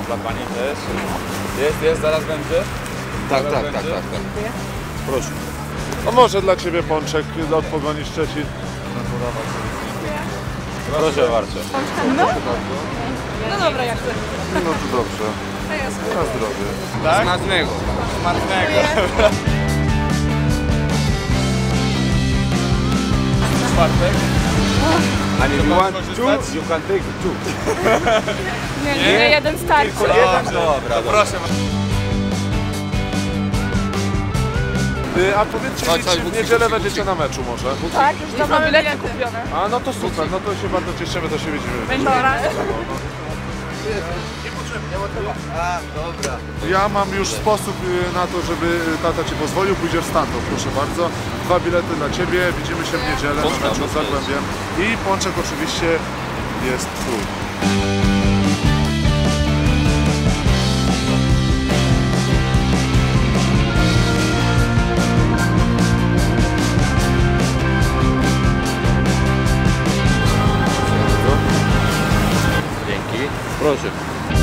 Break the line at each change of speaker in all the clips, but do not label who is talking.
dla pani też. Jest, zaraz będzie.
Tak.
Dziękuję.
Proszę.
A może dla Ciebie pączek od Pogoni Szczecin.
Proszę bardzo.
No dobra, jak chcesz.
No to dobrze. Na zdrowie.
Tak?
Smacznego.
Smacznego. Czwartek.
And if you want
korzystać?
two, you can take two.
Nie, jeden starczy.
Dobra, proszę.
A powiedzcie mi, czy w niedzielę będziecie na meczu może?
Tak, już mamy bilety kupione.
A no to super, no to się bardzo cieszymy, to się widzimy.
Dobra.
Ja mam już sposób na to, żeby tata Ci pozwolił, pójdziesz stamtąd, proszę bardzo. 2 bilety dla Ciebie, widzimy się w niedzielę na meczu z Zagłębiem. I pączek oczywiście jest Twój.
Dzięki. Proszę.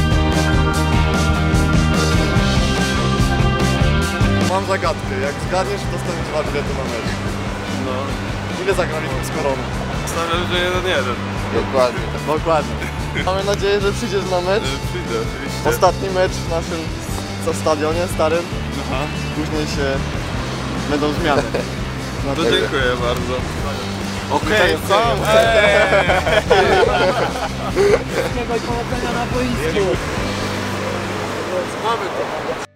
Mam zagadkę, jak zgadniesz, dostaniesz 2 bilety na mecz.
No.
Ile zagraliśmy z Koroną?
Stawiam, że 1-1.
Dokładnie.
Dokładnie. Mamy nadzieję, że przyjdziesz na mecz.
Przyjdę, oczywiście.
Ostatni mecz w naszym stadionie starym. Później się będą zmiany.
To dziękuję bardzo.
Okej,
Powodzenia na boisku.
Mamy to.